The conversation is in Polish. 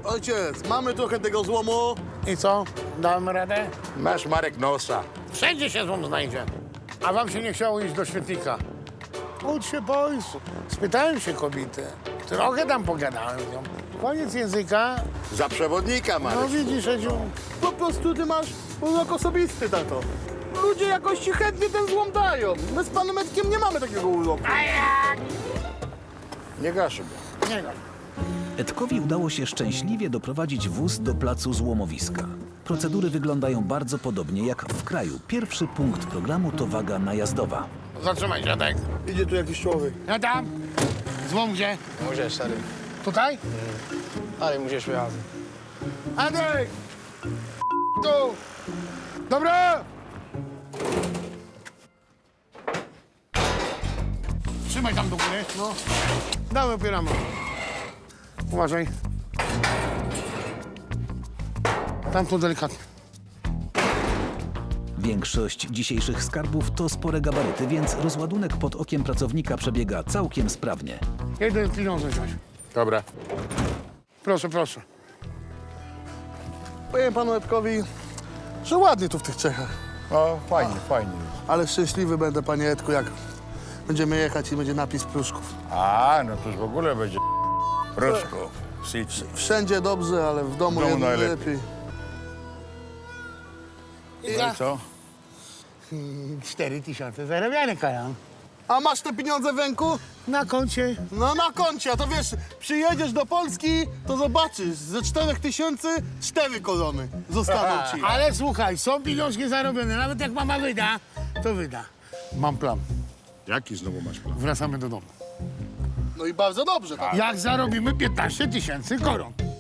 Ojciec, mamy trochę tego złomu. I co? Dałem radę? Masz, Marek, nosa. Wszędzie się złom znajdzie. A wam się nie chciało iść do świetnika? Ucz się, boys. Spytałem się kobiety. Trochę tam pogadałem z nią. Koniec języka. Za przewodnika, Marek. No widzisz, Edziu. Po prostu ty masz urok osobisty, tato. Ludzie jakoś ci chętnie ten złom dają. My z panem Edkiem nie mamy takiego uroku. Nie gaszy go. Nie no. Edkowi udało się szczęśliwie doprowadzić wóz do placu złomowiska. Procedury wyglądają bardzo podobnie jak w kraju. Pierwszy punkt programu to waga najazdowa. Zatrzymaj, dziadek. Idzie tu jakiś człowiek. Ja tam. Złom gdzie? Můžeš tady, Tutaj? tady můžeš vyházet. Andrzej! Tu! Dobra! Trzymaj tam do góry. No. Dawaj, opieramy. Uważaj. Tam tu delikatnie. Większość dzisiejszych skarbów to spore gabaryty, więc rozładunek pod okiem pracownika przebiega całkiem sprawnie. Jeden pieniądze wziąć. Dobra. Proszę, proszę. Powiem panu Edkowi, że ładnie tu w tych Czechach. O, fajnie, fajnie. Ale szczęśliwy będę, panie Edku, jak będziemy jechać i będzie napis Pruszków. A, no to już w ogóle będzie Pruszków. City. Wszędzie dobrze, ale w domu, W domu jednak najlepiej. lepiej. No i co? 4000 zarabiane, Kajan. A masz te pieniądze w ręku? Na koncie. No na koncie, a to wiesz, przyjedziesz do Polski, to zobaczysz, ze 4000 4 korony zostaną ci. Ale słuchaj, są pieniążki zarobione. Nawet jak mama wyda, to wyda. Mam plan. Jaki znowu masz plan? Wracamy do domu. No i bardzo dobrze. Tak. Jak zarobimy 15 000 koron.